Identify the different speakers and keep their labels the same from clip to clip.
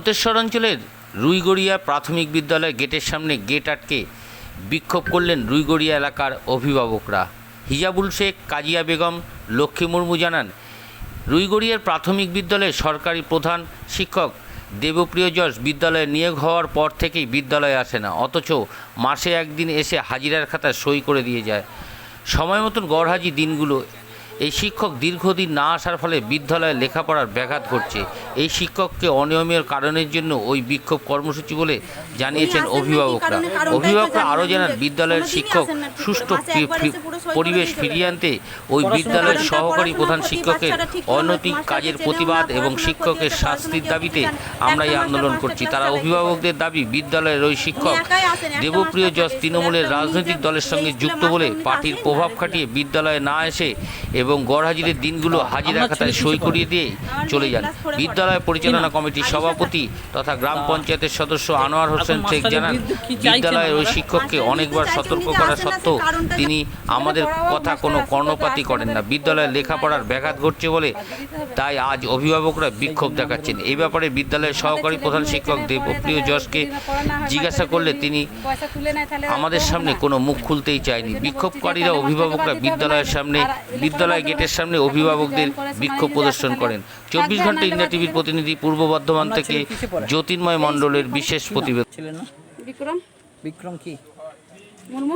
Speaker 1: মন্তেশ্বর অঞ্চলের রুইগড়িয়া প্রাথমিক বিদ্যালয় গেটের সামনে গেট আটকে বিক্ষোভ করলেন রুইগড়িয়া এলাকার অভিভাবকরা। হিজাবুল শেখ, কাজিয়া বেগম, লক্ষ্মী মুর্মু জানান, রুইগড়িয়ার প্রাথমিক বিদ্যালয়ের সরকারি প্রধান শিক্ষক দেবপ্রিয় যশ বিদ্যালয়ে নিয়োগ হওয়ার পর থেকেই বিদ্যালয়ে আসে না, অথচ মাসে একদিন এসে হাজিরার খাতায় সই করে দিয়ে যায়। সময় মতন গড়হাজি দিনগুলো এই শিক্ষক দীর্ঘদিন না আসার ফলে বিদ্যালয়ে লেখাপড়ার ব্যাঘাত ঘটছে। এই শিক্ষককে অনিয়মের কারণের জন্য ওই বিক্ষোভ কর্মসূচি বলে জানিয়েছেন অভিভাবকরা। অভিভাবকরা আরও জানান, বিদ্যালয়ের শিক্ষক সুষ্ঠু পরিবেশ ফিরিয়ে আনতে ওই বিদ্যালয়ের সহকারী প্রধান শিক্ষকের অনৈতিক কাজের প্রতিবাদ এবং শিক্ষকের শাস্তির দাবিতে আমরা এই আন্দোলন করছি। তারা অভিভাবকদের দাবি, বিদ্যালয়ের ওই শিক্ষক দেবপ্রিয় যশ তৃণমূলের রাজনৈতিক দলের সঙ্গে যুক্ত বলে পার্টির প্রভাব খাটিয়ে বিদ্যালয়ে না এসে এবং গড়হাজিরের দিনগুলো হাজিরা খাতায় সই করিয়ে দিয়ে চলে যান। বিদ্যালয় পরিচালনা কমিটির সভাপতি তথা গ্রাম পঞ্চায়েতের সদস্য আনোয়ার হোসেন শেখ জানান, বিদ্যালয়ের ওই শিক্ষককে অনেকবার সতর্ক করা সত্ত্বেও তিনি আমাদের কথা কোনো কর্ণপাতই করেন না। বিদ্যালয়ে লেখাপড়ার ব্যাঘাত ঘটছে বলে তাই আজ অভিভাবকরা বিক্ষোভ দেখাচ্ছেন। এই ব্যাপারে বিদ্যালয়ের সহকারী প্রধান শিক্ষক দেবপ্রিয় যশকে জিজ্ঞাসা করলে তিনি আমাদের সামনে কোনো মুখ খুলতেই চায়নি। বিক্ষোভকারীরা অভিভাবকরা বিদ্যালয় গেটের সামনে অভিভাবকদের বিক্ষোভ প্রদর্শন করেন। 24 ঘন্টা ইন্ডিয়া টিভির প্রতিনিধি পূর্ব বর্ধমান থেকে জ্যোতির্ময় মণ্ডলের বিশেষ প্রতিবেদন।
Speaker 2: বিক্রম
Speaker 3: বিক্রম কি
Speaker 2: মুর্মু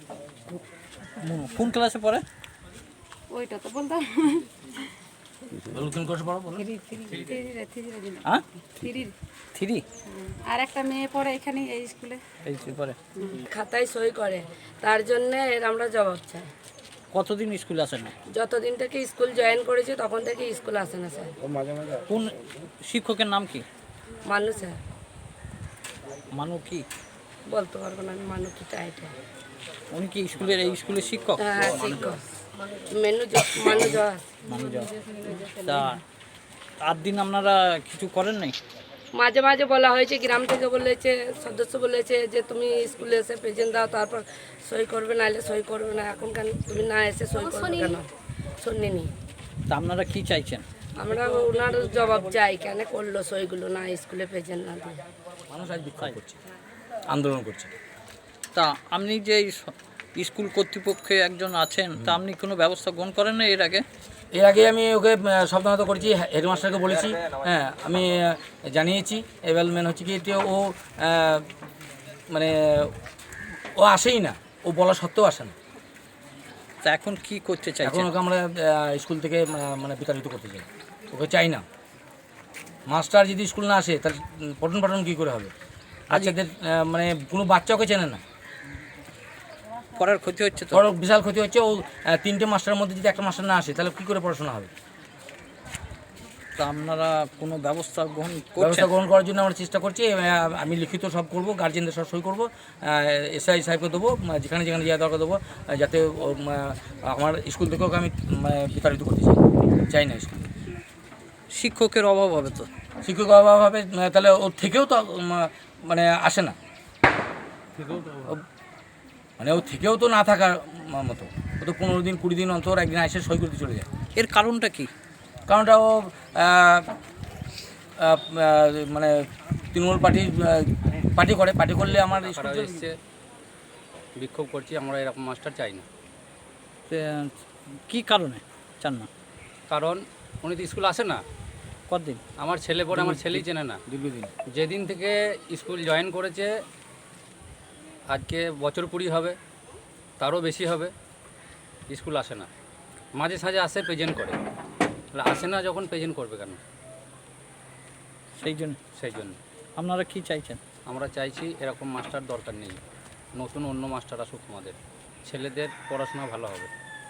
Speaker 3: কোন ক্লাসে পড়ে?
Speaker 2: ওইটা তো বলতাম
Speaker 3: কোন ক্লাসে পড়ে বলো?
Speaker 2: হ্যাঁ
Speaker 3: থ্রি।
Speaker 2: আর একটা মেয়ে পড়ে এখানে এই স্কুলে,
Speaker 3: এই পড়ে।
Speaker 4: খাতায় সই করে, তার জন্য এর আমরা জবাব চাই।
Speaker 3: কতদিন স্কুল আসে না?
Speaker 4: যতদিন থেকে স্কুল জয়েন করেছে তখন থেকে স্কুল আসে না স্যার।
Speaker 3: কোন শিক্ষকের নাম কি?
Speaker 4: মানু স্যার।
Speaker 3: মানু কি
Speaker 4: বলতে পারবো না আমি, মানু কি টাইটে।
Speaker 3: উনি কি এই স্কুলের শিক্ষক?
Speaker 4: হ্যাঁ শিক্ষক, মানু জয়।
Speaker 3: মানু যাও। তা 8 দিন আপনারা কিছু করেন নাই?
Speaker 4: মাঝে মাঝে বলা হয়েছে, গ্রাম থেকে বলেছে, সদস্য বলেছে যে তুমি স্কুলে এসে প্রেজেন্ট দাও, তারপর সই করবে, নাহলে সই করবে না। এখন কেন তুমি না এসে সই করবে কেন? শুনিনি।
Speaker 3: তা আপনারা কি চাইছেন?
Speaker 4: আমরা ওনার জবাব চাই, কেন করলো সইগুলো না স্কুলে প্রেজেন্ট না দিয়ে।
Speaker 3: মানুষ আজ বিক্ষোভ করছে, আন্দোলন করছে। তা আপনি যে স্কুল কর্তৃপক্ষে একজন আছেন, তা আপনি কোনো ব্যবস্থা গ্রহণ করেন না এর আগে?
Speaker 5: এর আগে আমি ওকে সাবধানত করেছি, হেডমাস্টারকে বলেছি, হ্যাঁ আমি জানিয়েছি। এবার মেন হচ্ছে কি, ও মানে ও আসেই না, ও বলা সত্ত্বেও আসে না।
Speaker 3: তা এখন কি করতে চাই?
Speaker 5: এখন ওকে আমরা স্কুল থেকে মানে বিতাড়িত করতে চাই, ওকে চাই না। মাস্টার যদি স্কুল না আসে তাহলে পঠন পাঠন কী করে হবে? বাচ্চাদের মানে কোনো বাচ্চা ওকে চেনে না,
Speaker 3: পড়ার ক্ষতি হচ্ছে তো।
Speaker 5: বড় বিশাল ক্ষতি হচ্ছে। ও 3টে মাস্টারের মধ্যে যদি একটা মাস্টার না আসে তাহলে কী করে পড়াশোনা হবে?
Speaker 3: তা আপনারা কোনো ব্যবস্থা গ্রহণ
Speaker 5: করার জন্য আমরা চেষ্টা করছি। আমি লিখিত সব করব, গার্জেনদের সব সই করবো, এসআই সাহেবকে দেবো, যেখানে যেখানে যাওয়া দরকার দেবো, যাতে আমার স্কুল থেকেও আমি বিতাড়িত করতে চাই না। স্কুল
Speaker 3: শিক্ষকের অভাব হবে তো,
Speaker 5: শিক্ষকের অভাব হবে, তাহলে ওর থেকেও তো মানে আসে না, মানে ওর থেকেও তো না থাকার মতো। ও তো 15 দিন 20 দিন অন্তর একদিন এসে সই করতে চলে যায়।
Speaker 3: এর কারণটা কি?
Speaker 5: কারণটা ও মানে তৃণমূল পার্টি করলে আমার
Speaker 6: এসছে বিক্ষোভ করছি, আমরা এরকম মাস্টার চাই না।
Speaker 3: কি কারণে চান না?
Speaker 6: কারণ উনি তো স্কুল আসে না।
Speaker 3: কতদিন?
Speaker 6: আমার ছেলে পড়ে, আমার ছেলেই চেনে না।
Speaker 5: দীর্ঘদিন
Speaker 6: যেদিন থেকে স্কুল জয়েন করেছে, আজকে বছর 20 হবে, তারও বেশি হবে, স্কুল আসে না। মাঝে সাঝে আসে, প্রেজেন্ট করে, তাহলে আসে না যখন প্রেজেন্ট করবে কেন?
Speaker 3: সেই জন্য আপনারা কি চাইছেন?
Speaker 6: আমরা চাইছি এরকম মাস্টার দরকার নেই, নতুন অন্য মাস্টার আসুক, আমাদের ছেলেদের পড়াশোনা ভালো হবে।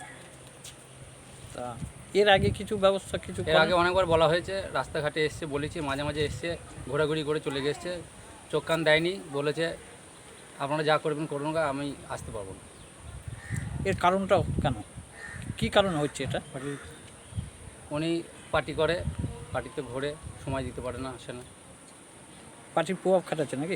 Speaker 3: তা এর আগে কিছু ব্যবস্থা
Speaker 6: এর আগে অনেকবার বলা হয়েছে, রাস্তাঘাটে এসছে, বলেছি, মাঝে মাঝে এসছে, ঘোরাঘুরি করে চলে গেছে, চোখ কান দেয়নি, বলেছে আপনারা যা করবেন করুন, আমি আসতে পারবো না।
Speaker 3: এর কারণটাও কেন, কি কারণে হচ্ছে এটা?
Speaker 6: উনি পার্টি করে, পার্টিতে ঘোরে, সময় দিতে পারে না, আসে না।
Speaker 3: পার্টির প্রভাব খাটাচ্ছে নাকি?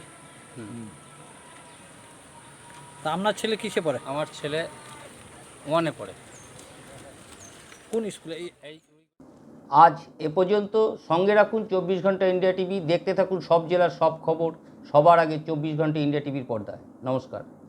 Speaker 3: তা আপনার ছেলে কিসে পড়ে?
Speaker 6: আমার ছেলে 1-এ পড়ে।
Speaker 3: কোন স্কুলে?
Speaker 1: আজ এ পর্যন্ত। সঙ্গে রাখুন 24 ঘন্টা ইন্ডিয়া টিভি। দেখতে থাকুন সব জেলার সব খবর সবার আগে 24 ঘন্টা ইন্ডিয়া টিভির পর্দায়। নমস্কার।